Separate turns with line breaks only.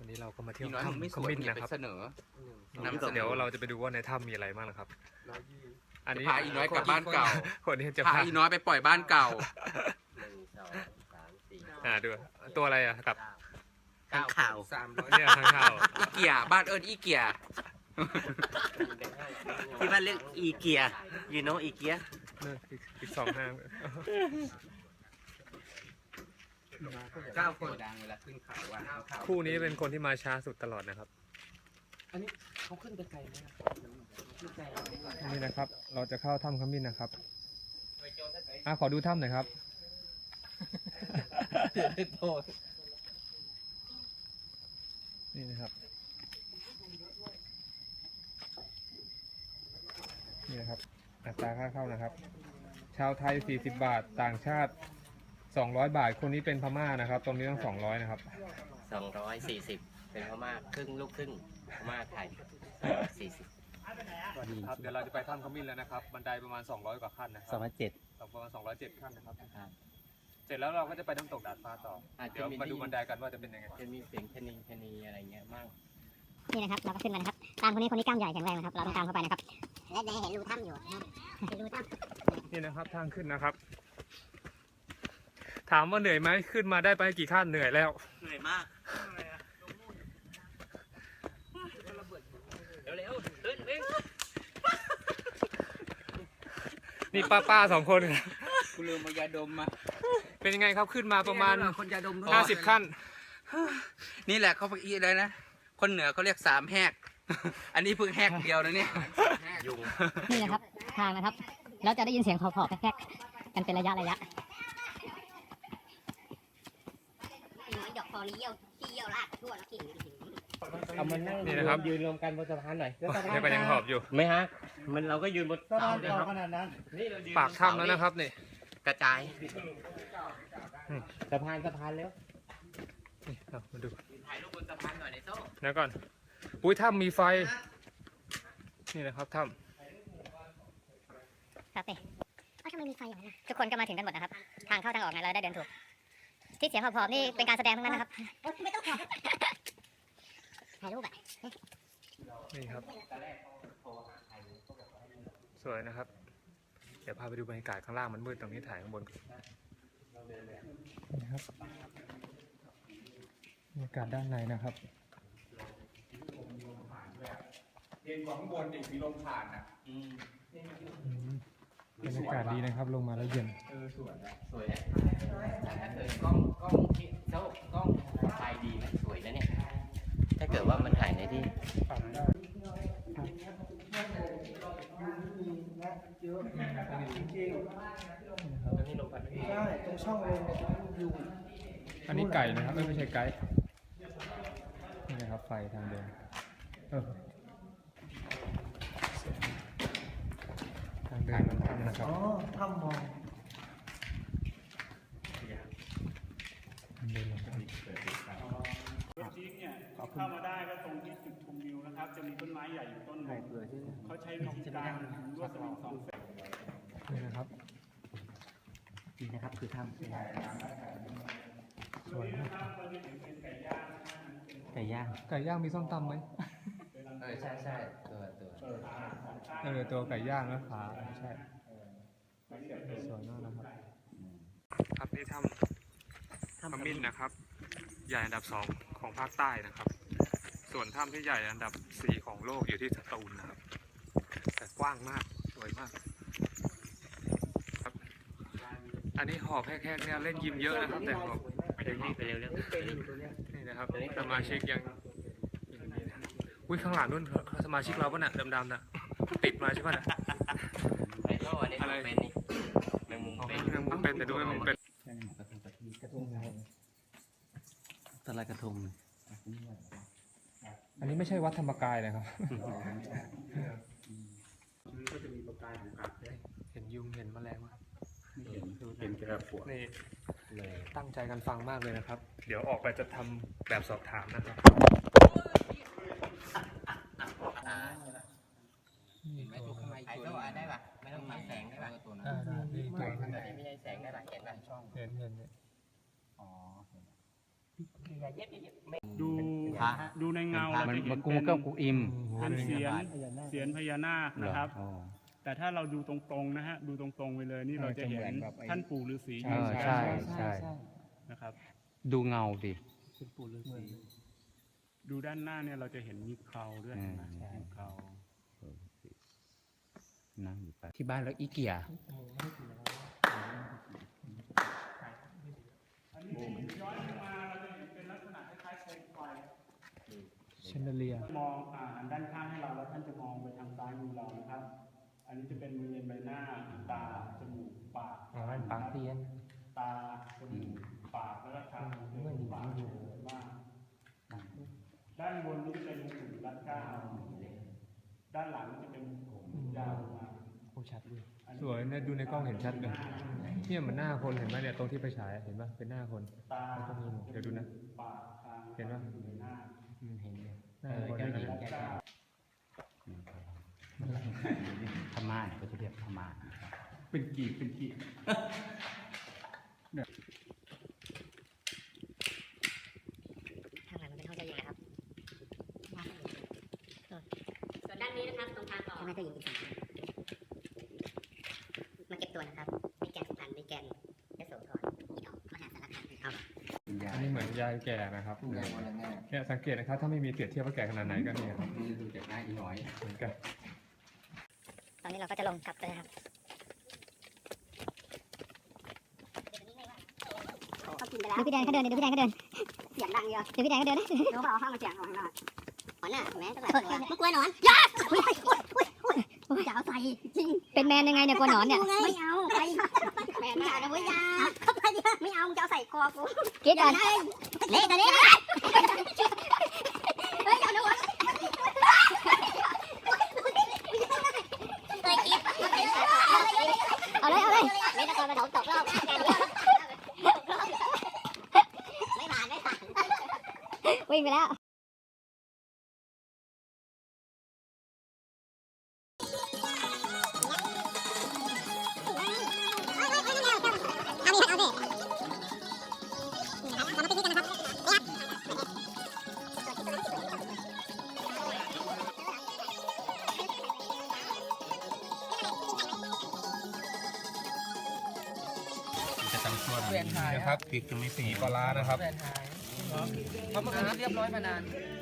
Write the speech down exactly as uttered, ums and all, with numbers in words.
วันนี้เราก็มาเที่ยว
ถ้ำ
ถ้ำขมิ้นนะครับเสนอนำเสนอเดี๋ยวเราจะไปดูว่าในถ้ำมีอะไรบ้างนะครับอันนี้
พาอีน้อยกลับบ้านเก่า
คนนี้จะ
พาอีน้อยไปปล่อยบ้านเก่า
อ่าดูตัวอะไรอ่ะกับ
ข้างข่าว
เนี่ยข้างข่าว
อีเกียบ้านเอิญอีเกีย
ที่บ้านเรียกอีเกียยูโนอีเกีย
เนี่ยอีกอีกสองห้าง
เก้าคนดังเวลาขึ้นเขาว่า
คู่นี้เป็นคนที่มาช้าสุดตลอดนะครับ
อันนี้เขาขึ้นไปไกลไหม
นี่นะครับ เราจะเข้าถ้ำขมิ้นนะครับอ่ะขอดูถ้ำหน่อยครับนี่นะครับนี่นะครับอัตราค่าเข้านะครับ ชาวไทยสี่สิบบาทต่างชาติสองร้อยบาทคนนี้เป็นพม่านะครับ ตรงนี้ต้องสองร้อยนะครับ
สองร้อยสี่สิบเป็นพม่าครึ่งลูกครึ่งพม่าไทยสี่สิบ
ครับเดี๋ยวเราจะไปถ้ำขมิ้นแล้วนะครับบันไดประมาณสองร้อยกว่าขั้นนะค
สอ
รั
ง
บ
พันเจ็ด
ประมาณสองร้อยเจ็ดขั้นนะครับเสร็จแล้วเราก็จะไปน้ำตกดาดฟ้าต่อเดี๋ยวมาดูบันไดกันว่าจะเป็นยังไง
จะมีเสียงชนีชนีอะไรเงี้ยบ้าง
นี่นะครับเราก็ขึ้นมานะครับตามคนนี้คนนี้กล้ามใหญ่แข็งแรงนะครับเราต้องตามเข้าไปนะครับและในเห็นรูถ้ำอยู่นะเห็นรูถ้ำ
นี่นะครับทางขึ้นนะครับ ถามว่าเหนื่อยไหมขึ้นมาได้ไปกี่ขั้นเหนื่อยแล้ว
เหนื่อยมากเร็วๆเดินเร็ว
นี่ป้าป้าสองคน
กูลืมเอายาดมมา
เป็นยังไงครับขึ้นมาประมาณ
คนยาดม
ห้าสิบขั้น
นี่แหละเขาอีอะไรนะคนเหนือเขาเรียกสามแหก อันนี้เพิ่งแหกเดียวนะเนี่ย
ยุง
นี่นะครับทางนะครับแล้วจะได้ยินเสียงขอๆแคกๆกันเป็นระยะระยะน้อยดอกคอนี้เยี่ยวที่เยี่ยวลากทั่วแล้วกิ่ง
เอามานั่ง
นี่นะครับ
ยืนรวมกันบนสะพานหน่อย
นี่ก็ยังหอบอยู่
ไม่ฮะมันเราก็ยืนบนเสาเลยครับ
ปากถ้ำแล้วนะครับนี่
กระจายสะพานสะพานแล้ว
นี่เอามาดู
ถ่ายรูปบนสะพานหน่อยในโซ่
แล้วก่อนอุ้ยถ้ำมีไฟนี่นะครับถ้
ครับนี่อ้าวทำไมมีไฟอย่างนั้นนะทุกคนก็มาถึงกันหมดนะครับทางเข้าทางออกไงเราได้เดินถูกที่เสียงหอบๆนี่เป็นการแสดงทั้งนั้นนะครับไม่ต้องหอบถ่ายรูปอ่ะ
ำนี่ครับสวยนะครับเดี๋ยวพาไปดูบรรยากาศข้างล่างมันมืดตรงนี้ถ่ายข้างบนนี่ครับบรรยากาศด้านในนะครับ
เย็นกว่าข้างบนอีกมีลมผ่านอ่ะ
บรรยากาศดีนะครับลงมาแล้วเย็น
สวยนะแต่ถ้าเกิดกล้องกล้องที่โซ่กล้องไฟดีนะสวยนะเนี่ยถ้าเกิดว่ามันถ่ายในที่
อันนี้ไก่นะครับไม่ใช่ไก่นี่นะครับไฟทางเดินเออทางเดินมันถ้ำนะครับ
อ๋อถ้ำมอง
เดินลงไป
จี๊กเนี่ยเข้ามาได้ก็ตรงที่จุดชมวิวนะครับ จะมีต้นไม้ใหญ่อยู่ต้นหนึ่งเขาใช้วิธีการลวดสวิงสองเส้น
นี่นะครับ
นี่นะครับคือถ้ำ
สวยมาก
ไก่ย่าง
ไก่ย่างมีส้มตำไหม
เออใช่ใช่ตัวตัว
เออตัวไก่ย่างนะขาใช่สวยมากนะครับครับนี่ถ้ำขมิ้นนะครับ ใหญ่อันดับสองของภาคใต้นะครับ ส่วนถ้ำที่ใหญ่อันดับสี่ของโลกอยู่ที่สตูลนะครับ แต่กว้างมากสวยมากครับอันนี้หอบแคกๆเนี่ยเล่นยิมเยอะนะครับแต่หอบ
ไปเร็วไปเร็วเร็ว
นี่นะครับสมาชิกยังอุ้ยข้างหลังนู่นสมาชิกเราป่ะน่ะดำๆน่ะติดมาใช่ป่ะน่ะ
ไอ้โซ่อันนี้เป็นนี่แมงมุม
อ๋อ
เป็น
แมงมุมเป็นแต่ดูแมงมุมเป็น
ตะไลกระทง
อันนี้ไม่ใช่วัดธรรมกายนะครับ
ก็จะมีประกายของกัดด้วย
เห็นยุงเห็นแมลงไหม
เห็นเห็นกระปวด
นี่ตั้งใจกันฟังมากเลยนะครับ เดี๋ยวออกไปจะทำแบบสอบถามนะครับ
เห็นไหมตัวข้างใน
ไอ้
ตัว
โซ่
นี้
ได้ป่ะไม่ต้องมีแสงได้ป่ะ
ตัวนั้น
อ่าได้นี่
ตัวนี้ไม่ใช่แสงได้ป่ะเห็นป่ะช่อง
เห็นเห็น
อ๋อ
ดู
พระ
ดูในเงา
มั
เรา
น
จะเห็
มัน
น
กู
เป็น
ก็กูอิม
เป็นเสียนเสียนพญานาคนะครับ
เหออ๋อ
แต่ถ้าเราดูตรงๆนะฮะดูตรงๆไปเลยนี่เราจะเห็นท่านปู่ฤาษี
เออใช่ใช่
นะครับ
ดูเงาดิ
ดูด้านหน้าเนี่ยเราจะเห็นมีเคราด้วย
อืม
เห็นไหมมีเครา
นั่งอยู่ไปที่บ้านแล้วอีเกีย
อันนี้ย้อนมาเราจะเห็นเป็นลักษณะคล้ายๆโคมไฟ
เชนเดเลีย
มองอ่าหันด้านข้างให้เราแล้วท่านจะมองไปทางซ้ายมือเรานะครับ อันนี้จะเป็นบริเวณใบหน้าตาจมูกปาก
อ๋อปากเตียน
ตาจมูกปากแล้วก็ทางจมูกปากมากด้านบนนี้จะเป็นหุ่นรัดเก้าด้านหลังจะเป็นยาวลงมา
สวยนะดูในกล้องเห็นชัดเลยเนี่ยมันหน้าคนเห็นไหมเนี่ยตรงที่ไปฉายเห็นปะเป็นหน้าคน
ตา
แล้วก็มีหนวดเดี๋ยวดูนะ
ปากทาง
เห็นปะ
ใบหน้า
หน้าคน
รั
นะ
ดเก้า
พม่าเนี่ยก็จะเรียกพม่า
เป็นกีบเป็นกีบ
ข้างหลังมันเป็นห้องเจ้าหญิงนะครับส่วนด้านนี้นะครับตรงทางต่อใช่ไหมเจ้าหญิงอีกสองคนมาเก็บตัวนะครับมีแกนสุพรรณมีแกนยโสธรอีดอกมหาสารคามเอา
อันนี้เหมือนยายแก่นะครับเนี่ยสังเกตนะครับถ้าไม่มีเปรียบเทียบว่าแก่ขนาดไหนก็เนี่ยครับ
นี่ดูจากหน้าอีน้อย
เหมือนกัน
ตอนนี้เราก็จะลงกลับกันนะครับดูพี่แดงเขาเดินดูพี่แดงเขาเดินเสียงดังเยอะดูพี่แดงเขาเดินนะรู้เปล่าห้องมันเสียงของเราหอนน่ะแม่ตั้งแต่ไม่กลัวหนอนยาจะเอาใส่จริงเป็นแมนยังไงเนี่ยกลัวหนอนเนี่ยไม่เอาไปแมนไม่เอานะเว้ยยาเข้าไปดิไม่เอาจะเอาใส่คอกูคิดก่อนเละแต่เละเฮ้ยเอาหนูเอาเลยเอาเลยไม่ตะโกนมาถมตกรอบไม่ผ่านไม่ผ่านวิ่งไปแล้ว
นะครับพริกจะไม่สีปลาร้านะครับ
เขามาเรียบร้อยมานาน